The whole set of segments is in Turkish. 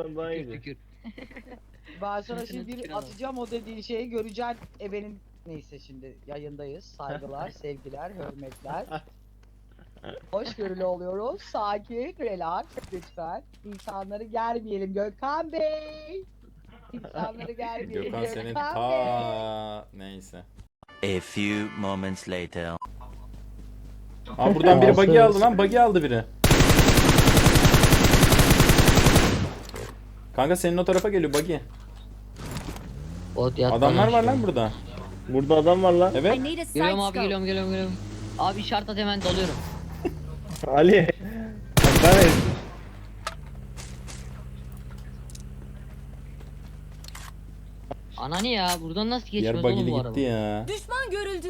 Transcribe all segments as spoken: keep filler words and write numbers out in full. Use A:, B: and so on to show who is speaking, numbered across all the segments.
A: daha
B: Tükür
A: iyiydi.
B: tükür.
C: Ben sana
B: Tükür,
C: şimdi bir
B: tükür adam.
C: atacağım o dediğin şeyi göreceksin. Ebenin neyse şimdi yayındayız. Saygılar, sevgiler, hürmetler. Hoşgörülü oluyoruz. Sakin, relax lütfen. İnsanları germeyelim Gökhan Bey. İnsanları germeyelim
D: Gökhan senin
C: Gökhan Bey.
D: ta neyse.
E: A few moments later.
D: Aa buradan biri buggy aldı lan, buggy aldı biri. Kanka senin o tarafa geliyor buggy.
B: Bot yat
D: Adamlar
B: bana
D: var
B: aşağı.
D: lan burada.
A: Burada adam var lan.
D: Evet.
F: I need a side
B: Geliyorum abi
F: scope.
B: geliyorum geliyorum geliyorum. Abi işaret at hemen dalıyorum.
A: Ali. Ben
B: Ananı ya buradan nasıl
D: Diğer
B: geçmez oğlum
D: buggy'li
B: bu
D: gitti
B: araba?
D: ya.
F: Düşman görüldü.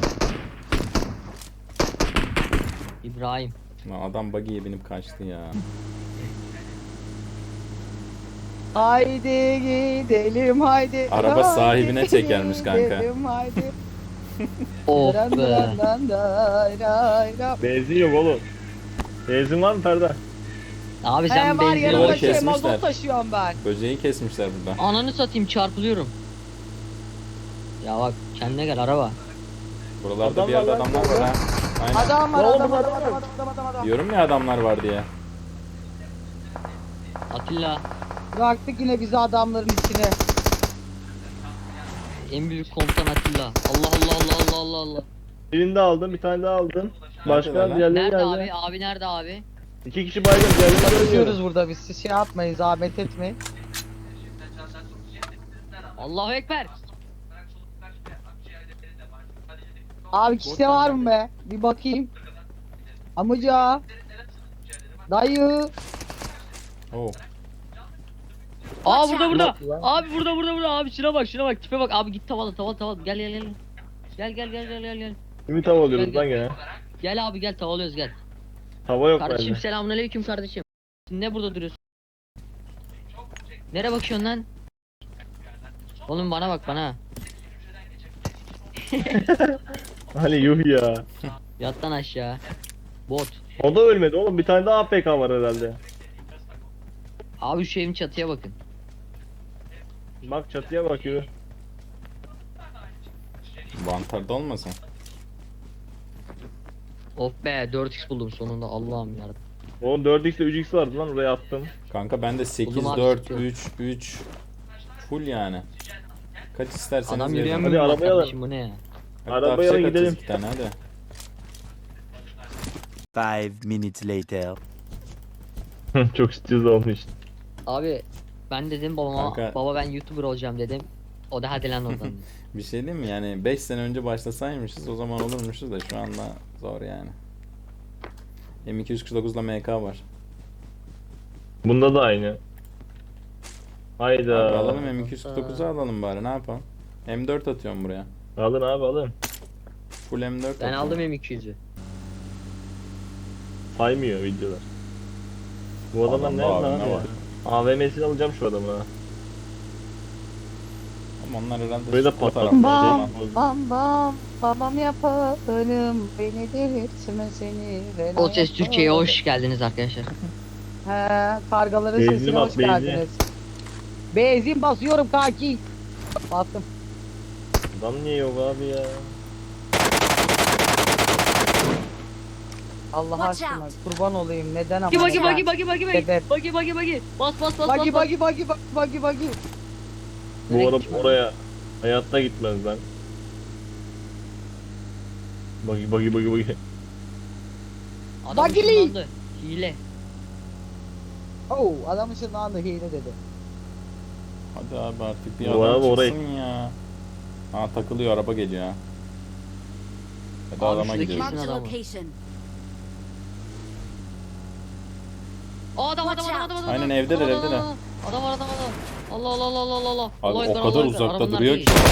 B: İbrahim.
D: Lan adam buggy'ye binip kaçtı ya.
C: Haydi gidelim haydi.
D: Araba
C: haydi
D: sahibine çekermiş kanka.
C: gidelim, haydi.
B: Of
C: Dan
B: be.
C: dan dan day day day.
A: benzin yok oğlum. Benzin var mı Ferda?
B: Abi
C: He
B: sen
C: var
B: benzin
C: yanımda
D: Bunları
C: şey
D: kesmişler.
C: mazot taşıyorum ben.
D: Böceği kesmişler burada.
B: Ananı satayım çarpılıyorum. Ya bak kendine gel araba.
D: Buralarda
A: Adam
D: bir yerde
A: var lan,
D: adamlar var ha. Aynen.
C: Adam var
A: Ne oldu
C: adam
A: bu
C: adam
A: adam?
C: adam adam adam adam.
D: Diyorum ya adamlar var diye.
B: Atilla
C: Bıraktık yine bizi adamların içine.
B: en büyük komutan Atilla. Allah Allah Allah Allah Allah Allah.
A: Birini de aldım, bir tane daha aldım. Başka
D: Neredeler lan?
A: diğerleri
B: Nerede
A: nerede?
B: abi? Abi nerede abi?
A: İki kişi baygın, diğerleri görmüyorum.
C: Çalışıyoruz burada biz. Siz şey yapmayın, zahmet etmeyin.
B: Allahu ekber.
C: Abi kişide var mı be? Bir bakayım. Amca. Dayı.
D: Oo.
B: Aa burada burada.
A: Yok lan.
B: Abi burada burada burada abi şuna bak şuna bak tipe bak abi git tavalı tavalı tavalı gel gel gel. Gel gel gel gel gel gel.
A: Ümit hava alıyoruz
B: Gel,
A: lan gene.
B: Gel abi gel tavalıyoruz gel.
A: Hava yok
B: Kardeşim
A: bende.
B: selamünaleyküm kardeşim. Ne burada duruyorsun? Nereye bakıyorsun lan? Oğlum bana bak bana.
A: Ali yuh ya.
B: Yat lan aşağı. Bot.
A: O da ölmedi oğlum, bir tane daha A P K var herhalde.
B: Abi şu evin çatıya bakın.
A: Bak çatıya bakıyor.
D: Vantarda olmasın?
B: Of be dört x buldum sonunda Allah'ım yarabbim.
A: Oğlum dört x ile üç x vardı lan, oraya attım.
D: Kanka bende sekiz,
B: Buldum abi,
D: dört,
B: sıkıyorum.
D: üç, üç. Full yani. Kaç isterseniz
B: Adam
D: verin.
B: yürüyemiyor
A: Hadi
B: mu
A: arabaya
B: kardeşim bu ne ya?
D: Hatta
A: Arabaya
D: fişek
A: gidelim.
D: atacağız iki tane hadi.
E: Five minutes later.
A: Çok stres olmuş.
B: Abi ben dedim babama
D: Kanka.
B: baba ben YouTuber olacağım dedim. O da hadi lan oradan. dedi.
D: Bir şey diyeyim mi? Yani beş sene önce başlasaymışız o zaman olurmuşuz da şu anda zor yani. M iki yüz kırk dokuz'da M K var.
A: Bunda da aynı.
D: Abi
A: Hayda.
D: alalım M iki yüz kırk dokuz'u alalım bari ne yapalım? M dört atıyorum buraya.
A: Alın abi alın.
D: Full M dört
B: Ben
D: atıyorum.
B: aldım M iki yüz'ü.
A: Saymıyor videolar. Bu adamlar
D: Adam
A: ne
D: bu
A: lan?
D: abi, ne var?
A: A V M'sini alacağım şu adamı ha.
D: Ama onlar herhalde
A: Burayı da
D: o
A: patlat.
D: tarafta.
C: Bam
D: Şey-
C: bam bam. Babam yaparım. Beni delirtme seni. ben
B: O ses Türkiye'ye
C: yaparım.
B: hoş geldiniz arkadaşlar.
C: He, kargaların
A: Benzin
C: sesine
A: bas,
C: hoş
A: benzin.
C: geldiniz. Benzin basıyorum kanki. Bastım.
A: Adam niye yok abi ya?
C: Allah
F: Watch
C: aşkına
F: out.
C: kurban olayım. Neden ama?
B: Bagi bagi
C: neden?
B: bagi bagi bagi bagi
C: Sebep.
B: bagi bagi bagi bas bas bas
C: Bagi
B: bas.
C: bagi bagi bagi bagi bagi.
A: Bu
B: Nereye
A: araba
B: gitmiş?
A: oraya hayatta gitmez lan. Bagi bagi bagi bagi.
B: Adam
C: Bagili.
B: ışınlandı. Hile.
C: Oh, adam ışınlandı hile dedi.
D: Hadi abi artık bir
A: Bu
D: adam
A: araba oraya-
D: çıksın ya. Ha takılıyor araba geliyor ha. Hadi
B: Abi
D: adama
B: şuradaki-
D: gidiyoruz.
F: Marked a
B: adamı.
F: location.
B: Aa adam adam adam adam adam.
D: Aynen, evdeler,
B: Adam, adam,
D: evdeler.
B: adam, Adam var adam adam. Allah Allah Allah Allah Allah Allah.
D: Abi
B: Allah
D: o
B: ekber,
D: kadar
B: Allah ekber.
D: uzakta
B: Arabanın
D: duruyor
B: arkaya
D: ki.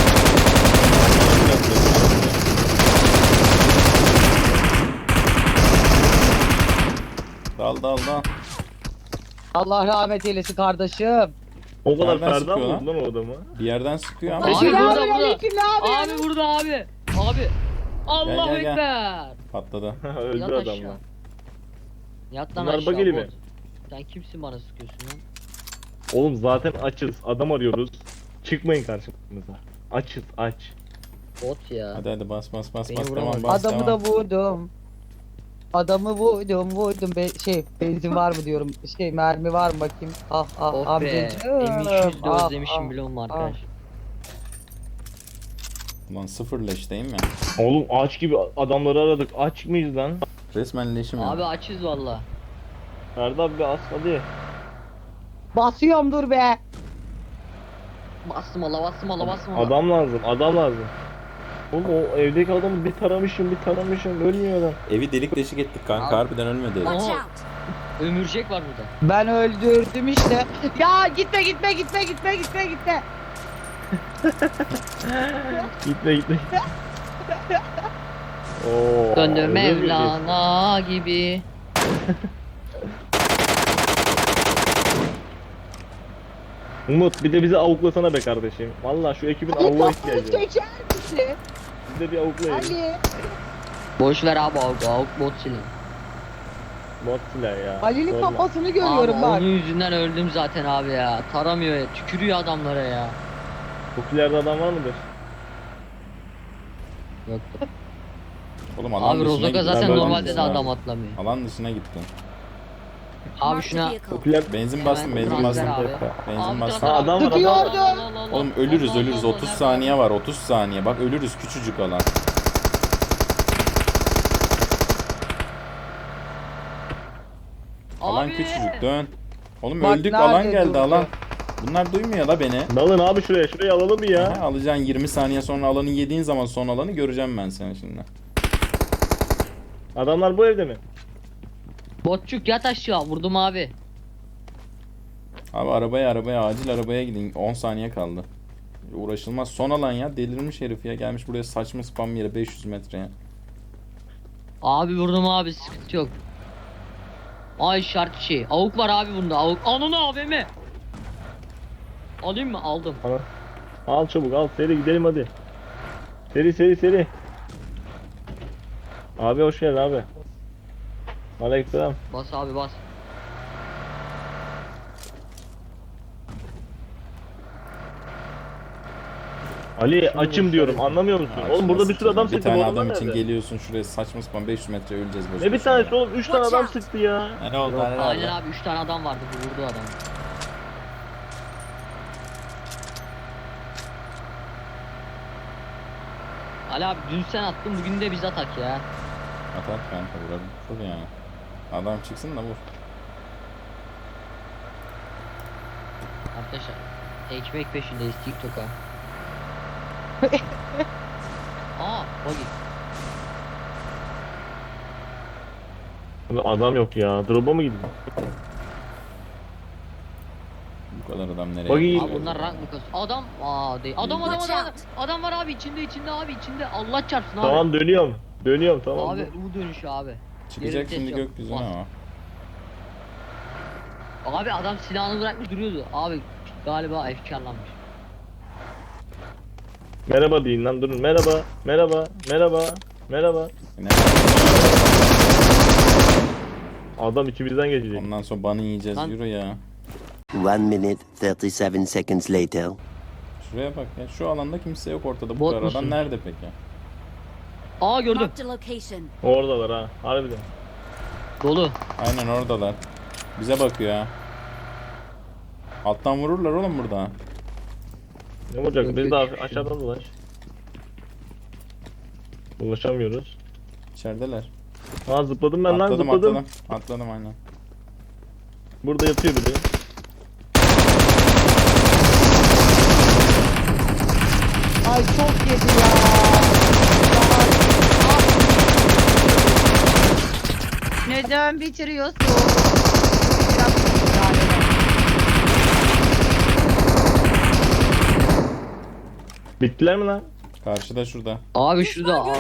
D: Dal dal dal.
C: Allah rahmet eylesin kardeşim.
A: O kadar
D: Nereden
A: Ferda
D: sıkıyor
A: mı
D: lan?
A: vurdu lan o adamı?
D: Bir yerden sıkıyor ama.
B: Abi burada, burada.
C: Selamünaleyküm, ne haber?
B: Abi burada abi. Abi. Allah
D: Gel, gel, gel.
B: ekber.
D: Patladı.
A: Öldür
B: Yat
A: adamı.
B: aşağı. Yat lan
A: Bunlar
B: aşağı.
A: bageli
B: bot.
A: mi?
B: Sen kimsin bana sıkıyorsun lan?
A: Oğlum zaten açız. Adam arıyoruz. Çıkmayın karşımıza. Açız aç.
B: Bot ya.
D: Hadi hadi bas bas bas
B: Beni
D: bas
B: vuramaz.
D: tamam bas
C: Adamı
D: tamam.
C: da vurdum. Adamı vurdum vurdum. Be şey benzin var mı diyorum. Şey mermi var mı bakayım. Ah ah
B: Oh be.
C: amcacığım.
B: M iki yüz de
C: Ah,
B: özlemişim
C: ah,
B: biliyor musun
C: ah.
B: arkadaş?
D: Ulan sıfır leşteyim ya.
A: Oğlum aç gibi adamları aradık. Aç mıyız lan?
D: Resmen leşim ya.
B: Abi açız valla.
A: Ferdi abi bir as hadi.
C: Basıyorum dur be.
B: Bastım ala bastım ala bastım ala.
A: Adam lazım. Adam lazım. Oğlum o evdeki adamı bir taramışım bir taramışım. Ölmüyor adam.
D: Evi delik deşik ettik kanka
B: Abi.
D: harbiden ölmedi. herif.
B: Aha.
F: Watch out!
B: Ömürcek var burada.
C: Ben öldürdüm işte. Ya gitme gitme gitme gitme gitme gitme.
A: Gitme gitme. Oo,
B: Döndür
A: öyle mi
B: Mevlana gibi.
A: Umut bir de bizi avuklasana be kardeşim. Vallahi şu ekibin
C: Ali
A: avuğa
C: kafayı
A: ihtiyacı var.
C: geçer misin?
A: Biz de bir avuklayalım.
C: Ali.
B: Boş ver abi avuk avuk bot silin.
A: Bot silah ya.
C: Ali'nin
A: Sorma.
C: kafasını
B: Abi
C: görüyorum bak.
B: onun yüzünden öldüm zaten abi ya. Taramıyor ya. Tükürüyor adamlara ya.
A: Popülerde adam var mıdır?
B: Yoktu.
D: Oğlum alan
B: Abi
D: dışına
B: Rozok'a
D: gittin.
B: zaten
A: Ben
B: normalde de
A: dışına-
B: adam atlamıyor.
D: Alan dışına gittin.
B: Abi
F: Marked a
B: şuna
F: vehicle.
A: Popüler...
D: Benzin
B: Hemen
D: bastım benzin
B: transfer
D: bastım.
B: abi.
D: Benzin
B: Abi
D: bastım.
B: transfer
A: Ha,
B: abi.
A: adam var,
C: adam var.
B: Allah Allah Allah Allah.
D: Oğlum ölürüz
B: Allah
D: ölürüz
B: Allah
D: otuz
B: Allah.
D: saniye var otuz saniye bak ölürüz küçücük alan. Alan
B: Abi.
D: küçücük dön. Oğlum
C: Bak
D: öldük
C: nerede
D: alan geldi
C: durdu?
D: alan. Bunlar duymuyor la beni.
A: Dalın abi şuraya şuraya alalım bir ya.
D: Aha, alacaksın yirmi saniye sonra alanı yediğin zaman son alanı göreceğim ben seni şimdi.
A: Adamlar bu evde mi?
B: Botçuk yat aşağı vurdum abi.
D: Abi arabaya arabaya acil arabaya gidin on saniye kaldı. Uğraşılmaz son alan ya delirmiş herif ya gelmiş buraya saçma spam yere beş yüz metreye.
B: Abi vurdum abi sıkıntı yok. Ay şart şey. Avuk var abi bunda avuk. Ananı A V M. Alayım mı? Aldım.
A: Al çabuk al seri gidelim hadi. Seri seri seri. Abi hoş geldin abi. Aleykümselam.
B: Bas abi bas.
A: Ali açım diyorum anlamıyor musun? Oğlum burada bir sürü adam
D: Bir
A: sıktı.
D: tane
A: bu
D: adam
A: adamlar
D: için
A: nerede?
D: geliyorsun şuraya saçma sapan beş yüz metre öleceğiz boş
A: Ne bir
D: boşuna
A: tanesi
D: ya.
A: oğlum üç tane
F: Watch
A: adam
F: out.
A: sıktı ya.
D: Ne oldu? Ne
B: Aynen
D: oldu?
B: abi üç tane adam vardı bu vurdu adam. Ali abi dün sen attın bugün de biz atak ya.
D: At at kanka vuralım. Vur yani. Adam çıksın da vur.
B: Arkadaşlar ekmek peşindeyiz TikTok'a. Aa buggy.
A: Abi adam yok ya. Drop'a mı gidiyor?
D: Bu kadar adam nereye
A: Buggy-
D: gidiyor?
B: Abi bunlar rank mı kasıyor? Adam aa değil. Adam adam
F: Watch
B: adam.
F: out.
B: Adam var abi içinde içinde abi içinde. Allah çarpsın abi.
A: Tamam dönüyorum. Dönüyorum tamam.
B: Abi bu dönüşü abi.
D: Çıkacak
B: Yerim
D: şimdi
B: ses yok.
D: gökyüzüne
B: Bas.
D: ama.
B: Abi adam silahını bırakmış duruyordu. Abi galiba efkarlanmış.
A: Merhaba deyin lan durun. Merhaba. Merhaba. Merhaba. Merhaba.
D: Ne?
A: Adam içimizden geçecek.
D: Ondan sonra banı yiyeceğiz
B: Lan-
D: yürü ya.
E: One minute, thirty-seven seconds later.
D: Şuraya bak ya şu alanda kimse yok ortada bu
B: Bot
D: kadar
B: musun?
D: adam nerede peki?
B: Aa gördüm.
F: Marked a location.
A: Oradalar ha. Harbiden.
B: Dolu.
D: Aynen oradalar. Bize bakıyor ha. Alttan vururlar oğlum burada.
A: Ne olacak?
B: Yok,
A: Biz
B: yok,
A: de
B: yok.
A: aşağıdan dolaş. Ulaşamıyoruz.
D: İçerideler.
A: Ha zıpladım ben lan
D: Atladım
A: zıpladım.
D: atladım. Atladım aynen.
A: Burada yatıyor biri.
C: Ay çok yedi ya. Neden bitiriyorsun? Biraz müdahale et.
A: Bittiler mi lan?
D: Karşıda şurada.
B: Abi şurada. Aa.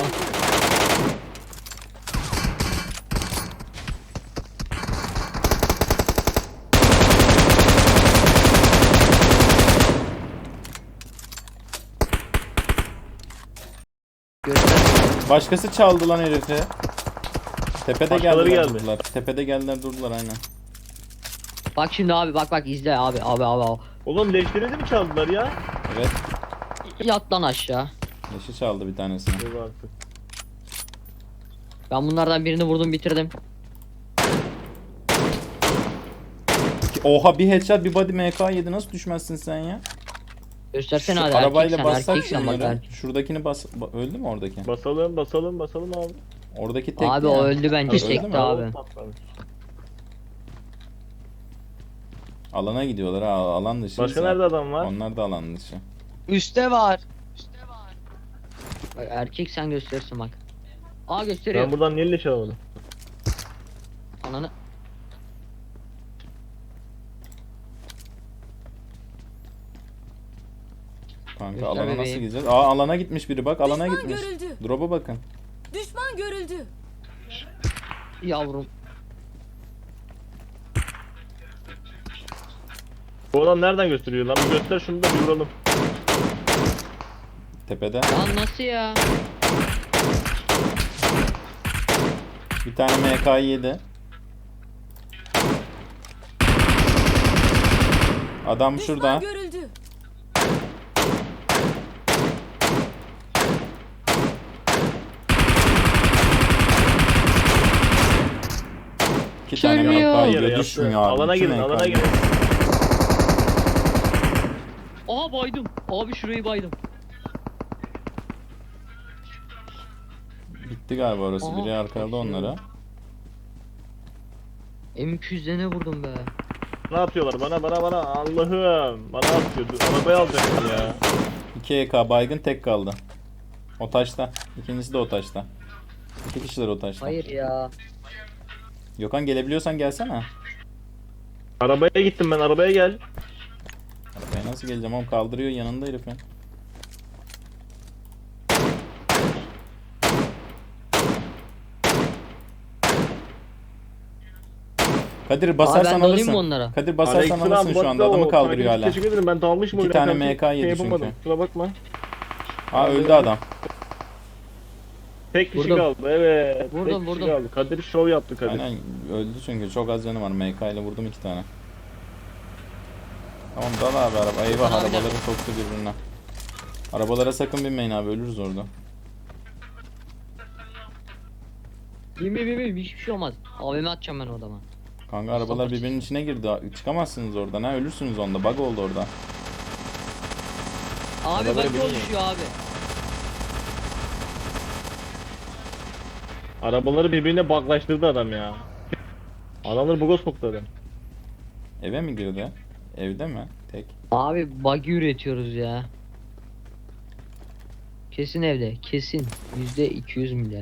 B: Göster.
D: Başkası çaldı lan herifi. Tepede
A: Başkaları
D: geldiler
A: geldi.
D: durdular. Tepede geldiler durdular aynen.
B: Bak şimdi abi bak bak izle abi abi abi. abi.
A: Oğlum leşleri mi çaldılar ya?
D: Evet.
B: Yat lan aşağı.
D: Leşi çaldı bir tanesini.
A: Yok artık.
B: Ben bunlardan birini vurdum bitirdim.
D: Oha bir headshot bir body M K yedi, nasıl düşmezsin sen ya?
B: Göstersene
D: Şu
B: hadi
D: arabayla
B: erkeksen
D: bassak
B: erkeksen bak
D: şunları.
B: erkek.
D: Şuradakini bas... ba- Öldü mü oradaki?
A: Basalım basalım basalım abi.
D: Oradaki tekti
B: Abi
D: ya.
B: o öldü bence
D: Öldü mü?
B: tekti abi.
A: Patlamış.
D: Alana gidiyorlar ha, alan dışı.
A: Başka nerede adam var?
D: Onlar da alan dışı.
C: Üste var.
B: Bak, erkek sen gösterirsin bak. Aa gösteriyor.
A: Ben buradan niye leş alamadım?
B: Ananı.
D: Kanka
B: Göster
D: alana nasıl
B: bebeğim.
D: gideceğiz? Aa alana gitmiş biri bak, alana
F: Düşman
D: gitmiş.
F: görüldü.
D: Drop'a bakın.
F: Düşman görüldü.
B: Yavrum.
A: Bu adam nereden gösteriyor lan? Bir göster şunu da bir vuralım.
D: Tepede.
B: Lan nasıl ya?
D: Bir tane M K yedi. Adam
F: Düşman
D: şurada.
F: görüldü.
D: İki tane M
B: Sürmüyor.
D: K
A: Yere
D: yiyor.
A: yattı.
D: Düşmüyor abi.
A: Alana
D: İki
A: girin
D: M K
A: alana
D: yiyor.
A: girin.
B: Aha baydım. Abi şurayı baydım.
D: Bitti galiba orası.
B: Aha,
D: Biri arkaladı onlara.
B: M iki yüz'de ne vurdum be?
A: Ne yapıyorlar bana bana bana Allah'ım. Bana atıyor. Dur, arabayı alacaktım ya.
D: iki E K baygın, tek kaldı. O taşta. İkincisi de o taşta. İki kişiler o taşta.
B: Hayır ya.
D: Gökhan gelebiliyorsan gelsene.
A: Arabaya gittim ben arabaya gel.
D: Arabaya nasıl geleceğim oğlum, kaldırıyor yanında herifin. Kadir basarsan
B: ben de alayım
D: alırsın.
B: mı onlara?
D: Kadir basarsan
A: Aleyküm
D: alırsın
A: abi,
D: şu anda,
A: bravo.
D: adamı kaldırıyor
A: Takip için
D: hala.
A: Teşekkür ederim ben dalmışım
D: İki
A: oyuna.
D: tane
A: karşı.
D: M K yedi
A: Şey yapamadım.
D: çünkü.
A: Kusura bakma.
D: Aa öldü adam.
A: Tek kişi
B: Vurdum.
A: kaldı evet.
B: Vurdum,
A: Tek kişi
B: vurdum.
A: kaldı. Kadir şov yaptı Kadir.
D: Aynen öldü çünkü çok az canı var. M K ile vurdum iki tane. Tamam dal abi araba. Eyvah,
B: Abi,
D: arabaları soktu birbirine. Arabalara sakın binmeyin abi, ölürüz orada.
B: Bin bin bin bin hiçbir şey olmaz. A V M atacağım ben o adama.
D: Kanka arabalar birbirinin içine girdi. Çıkamazsınız oradan ha, ölürsünüz onda. Bug oldu orada.
B: Abi
A: Arabayı
B: bak
A: bilmiyorum.
B: oluşuyor abi.
A: Arabaları birbirine baklaştırdı adam ya. Adamları buga soktu adam.
D: Eve mi girdi? Evde mi? Tek.
B: Abi buggy üretiyoruz ya. Kesin evde kesin. Yüzde iki yüz milyar.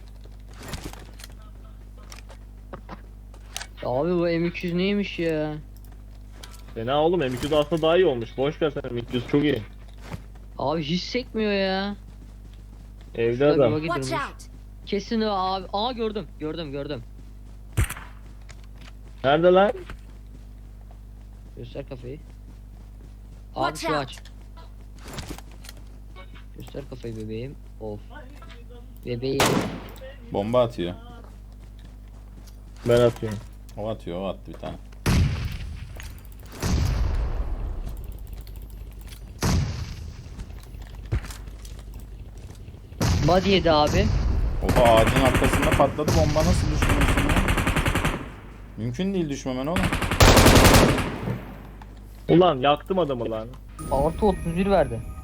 B: Abi bu M iki yüz neymiş ya?
A: Fena oğlum M iki yüz aslında daha iyi olmuş. Boş ver sen M iki yüz çok iyi.
B: Abi hiç sekmiyor ya.
A: Evde
B: Şurada bir
A: adam.
B: buggy
F: Watch
B: durmuş.
F: out.
B: Kesin o abi. Aa gördüm gördüm gördüm.
A: Nerede lan?
B: Göster kafayı. Abi
F: Watch
B: şu
F: out.
B: aç. Göster kafayı bebeğim. Of. Bebeğim.
D: Bomba atıyor.
A: Ben atıyorum.
D: O atıyor, o attı bir tane.
B: Body yedi abi.
D: Oha ağacın arkasında patladı bomba, nasıl düşmüyorsun ya? Mümkün değil düşmemen oğlum.
A: Ulan yaktım adamı lan.
B: Artı otuz bir verdi.